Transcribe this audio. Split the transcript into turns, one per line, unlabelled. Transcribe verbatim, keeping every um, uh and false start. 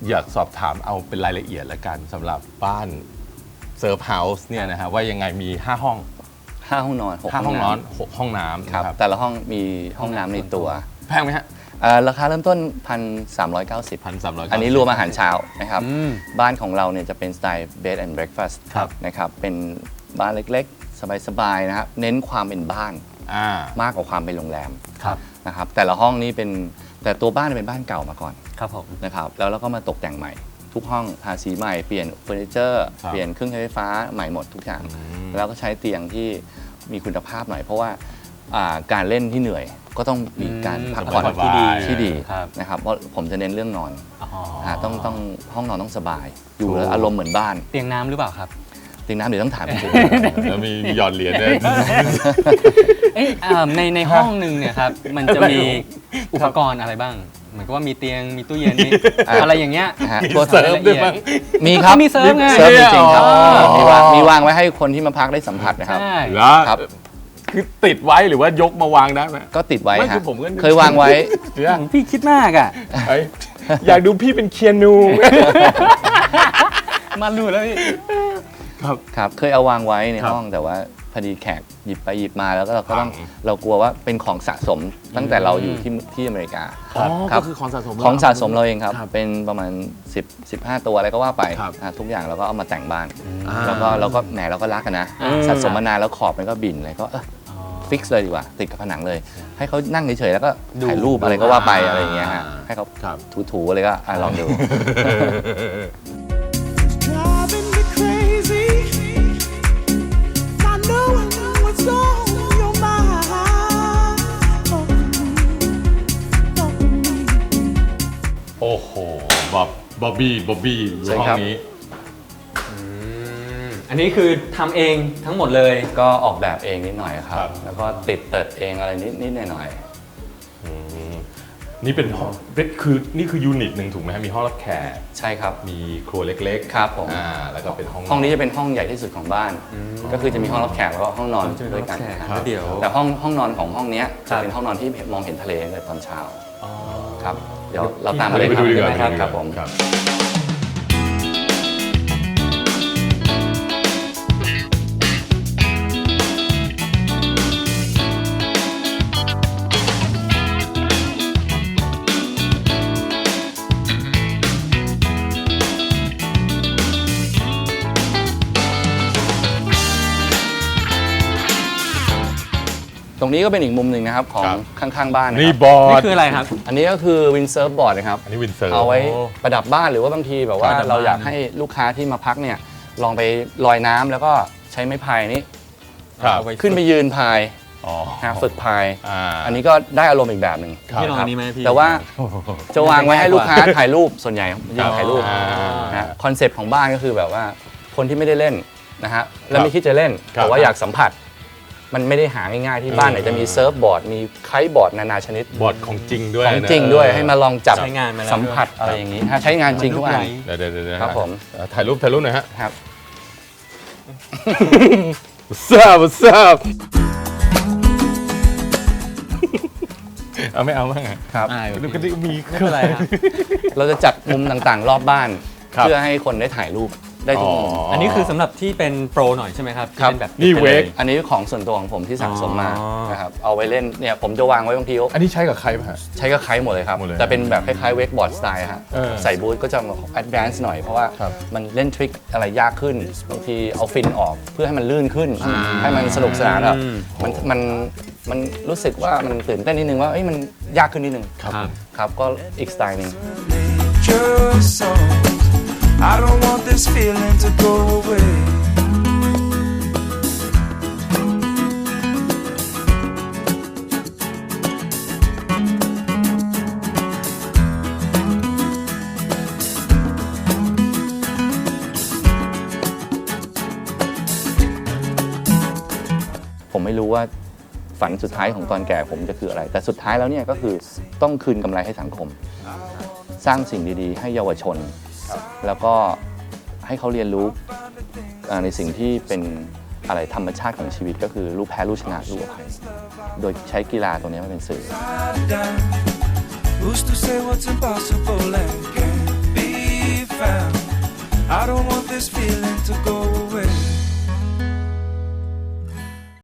อยากสอบถามเอาเป็นรายละเอียดละกันสำหรับบ้านเซิร์ฟเฮาส์เนี่ยนะฮะว่ายังไงมีห้าห้อง
ห้าห้องนอนหก
ห้า
ห้
ห้
อ
อง ง
น
น
อ
อน นหกห้องน้ำ
ครับแต่ละห้องมีห้องน้ำในตัว
แพงไหมฮะ
ราคาเริ่มต้น หนึ่งพันสามร้อยเก้าสิบ
พันสามร้อย
อันนี้รวมอาหารเช้านะครับบ้านของเราเนี่ยจะเป็นสไตล์ bed and breakfast นะครับเป็นบ้านเล็กๆสบายๆนะครับเน้นความเป็นบ้านมากกว่าความเป็นโรงแรมนะครับแต่ละห้องนี้เป็นแต่ตัวบ้านเป็นบ้านเก่ามาก่อน
ครับผม
นะครับแล้วเราก็มาตกแต่งใหม่ทุกห้องทาสีใหม่เปลี่ยนเฟอร์นิเจอร์เปลี่ยนเครื่องใช้ไฟฟ้าใหม่หมดทุกอย่างแล้วก็ใช้เตียงที่มีคุณภาพหน่อยเพราะว่าการเล่นที่เหนื่อยก็ต้องมีการพักผ่อนที่ดีที่ดีนะครับเพราะผมจะเน้นเรื่องนอนต้องต้องห้องนอนต้องสบายอยู่แล้วอารมณ์เหมือนบ้าน
เตียงน้ำหรือเปล่าครับ
เตียงน้ำเดี๋ยวต้องถามจริง
แล้วมีหยอดเหรียญด้วย
ในในห้องหนึ่งเนี่ยครับมันจะมีอุปกรณ์อะไรบ้างเหมือนกับว่ามีเตียงมีตู้เย็นอะไรอย่างเงี้ย
ตัวเสริมด้วยมั้ง
มีครับ
มีเสริมไง
เสริมจริงๆครับมีวางมีวางไว้ให้คนที่มาพักได้สัมผัสนะครับ
ครับคือติดไว้หรือว่ายกมาวางได้ไหม
ก็ติดไว้ครับ
ผม
เคยวางไว้
พี่คิดมากอ่ะ
อยากดูพี่เป็นเคียนู
มาดูแล้วพี่
ครับครับเคยเอาวางไว้ในห้องแต่ว่าพอดีแขกหยิบไปหยิบมาแล้วก็เราก็ต้องเรากลัวว่าเป็นของสะสมตั้งแต่เราอยู่ที่ที่อเมริกา
ก็คือของสะสม
ของสะสมเราเองครับเป็นประมาณสิบ สิบห้าตัวอะไรก็ว่าไปทุกอย่างเราก็เอามาแต่งบ้านแล้วก็เราก็แหมเราก็รักกันนะสะสมมานานแล้วขอบมันก็บินเลยก็ฟิกซ์เลยดีกว่าติดกับผนังเลยให้เขานั่งเฉยๆแล้วก็ถ่ายรูปอะไรก็ว่าไปอะไรอย่างเงี้ยฮะให้เขาถูๆอะไรก็ลองดู
โอ้โหบ๊อบบ๊อบบี้บ๊อบบี้ห้องนี้
อันนี้คือทำเองทั้งหมดเลย
ก็ออกแบบเองนิดหน่อยครับแล้วก็ติดเติดเองอะไรนิดนิดหน่อยหน่อย
นี่เป็นห้องคือนี่คือยูนิตหนึ่งถูกไหมมีห้องรับแขก
ใช่ครับ
มีครัวเล็ก
ๆครับผม
อ่าแล้วก็เป็นห้อง
ห้องนี้จะเป็นห้องใหญ่ที่สุดของบ้านก็คือจะมีห้องรับแขกแล้วก็ห้องนอนด้วยกัน
เดี๋ยว
แต่ห้องห้องนอนของห้องนี้จะเป็นห้องนอนที่มองเห็นทะเลในตอนเช้าครับเดี๋ยวเราตามมาเลยครับครับผมตรงนี้ก็เป็นอีกมุมหนึ่งนะครับของข้างๆบ้าน
นี่บอร์ด
นี่คืออะไรครับ
อันนี้ก็คือวินเซิร์ฟบอร์ดนะครับ
อันนี้วินเซิร์ฟ
เอาไว้ประดับบ้านหรือว่าบางทีแบบว่าเราอยากให้ลูกค้าที่มาพักเนี่ยลองไปลอยน้ำแล้วก็ใช้ไม้พายนี้ขึ้นไปยืนพายฝึกพายอันนี้ก็ได้อารมณ์อีกแบบหนึ่ง
พี่ลองอันนี้ไหมพี่
แต่ว่าจะวางไว้ให้ลูกค้าถ่ายรูปส่วนใหญ่ยืนถ่ายรูปนะคอนเซปต์ของบ้านก็คือแบบว่าคนที่ไม่ได้เล่นนะฮะแล้วไม่คิดจะเล่นแต่ว่าอยากสัมผัสมันไม่ได้หาง่ายๆที่บ้านไหนจะมีเซิร์ฟบอร์ดมีไคท์บอร์ดนานาชนิด
บอร์ดของจริงด้วย
ของจริงด้วยให้มาลองจับสัมผัสอะไรอย่างนี้ถ้าใช้งานจริงทุกอัน
เดี๋ยวเดี๋ยว
ครับผม
ถ่ายรูปถ่ายรูปหน่อยฮะ
ครับ
ทราบทราบเอาไม่เอาบ้าง
ครับ
ดูกันดิมี
ไม่เป็นไรครับ
เราจะจัดมุมต่างๆรอบบ้านเพื่อให้คนได้ถ่ายรูปได้ทุกมุม
อันนี้คือสำหรับที่เป็นโปรหน่อยใช่ไหมครับ
ครับ
แบบ
นี่เวก
อันนี้ของส่วนตัวของผมที่สั่งสมมานะครับเอาไว้เล่นเนี่ยผมจะวางไว้บางที
อันนี้ใช้กับใครป่ะ
ใช้กับใครหมดเลยครับแต่เป็นแบบคล้ายๆเวกบอร์ดสไตล์ฮะใส่บูทก็จะแอดวานซ์หน่อยเพราะว่ามันเล่นทริคอะไรยากขึ้นบางทีเอาฟินออกเพื่อให้มันลื่นขึ้นให้มันสนุกสนานแบบมันมันมันรู้สึกว่ามันตื่นเต้นนิดนึงว่าเอ้ยมันยากขึ้นนิดนึง
ครับ
ครับก็อีกสไตล์นึง
I don't want this feeling to go away.
ผมไม่รู้ว่าฝันสุดท้ายของตอนแก่ผมจะคืออะไรแต่สุดท้ายแล้วเนี่ยก็คือต้องคืนกำไรให้สังคมสร้างสิ่งดีๆให้เยาวชนแล้วก็ให้เขาเรียนรู้ในสิ่งที่เป็นอะไรธรรมชาติของชีวิตก็คือรู้แพ้รู้ชนะรู้อภัยโดยใช้กีฬาตัวนี้มาเป็นสื่อ
I don't want this feeling to go